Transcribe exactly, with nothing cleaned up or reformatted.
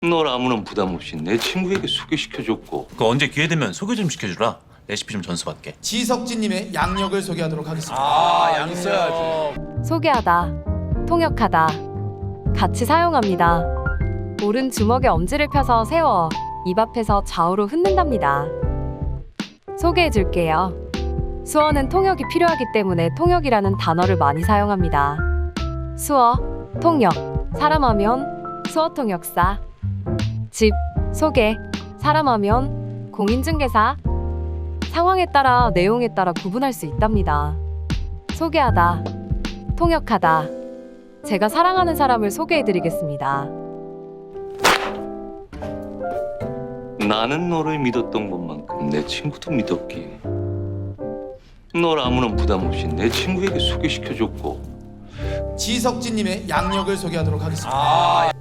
널 아무런 부담 없이 내 친구에게 소개시켜줬고. 그 언제 기회 되면 소개 좀 시켜주라. 레시피 좀 전수받게. 지석진님의 양력을 소개하도록 하겠습니다. 아, 양 써야지. 소개하다, 통역하다, 같이 사용합니다. 오른 주먹에 엄지를 펴서 세워 입 앞에서 좌우로 흔든답니다. 소개해줄게요. 수어는 통역이 필요하기 때문에 통역이라는 단어를 많이 사용합니다. 수어, 통역, 사람하면 수어통역사. 집, 소개, 사람하면 공인중개사. 상황에 따라 내용에 따라 구분할 수 있답니다. 소개하다, 통역하다. 제가 사랑하는 사람을 소개해드리겠습니다. 나는 너를 믿었던 것만큼 내 친구도 믿었기에 널 아무런 부담 없이 내 친구에게 소개시켜줬고. 지석진님의 양력을 소개하도록 하겠습니다. 아,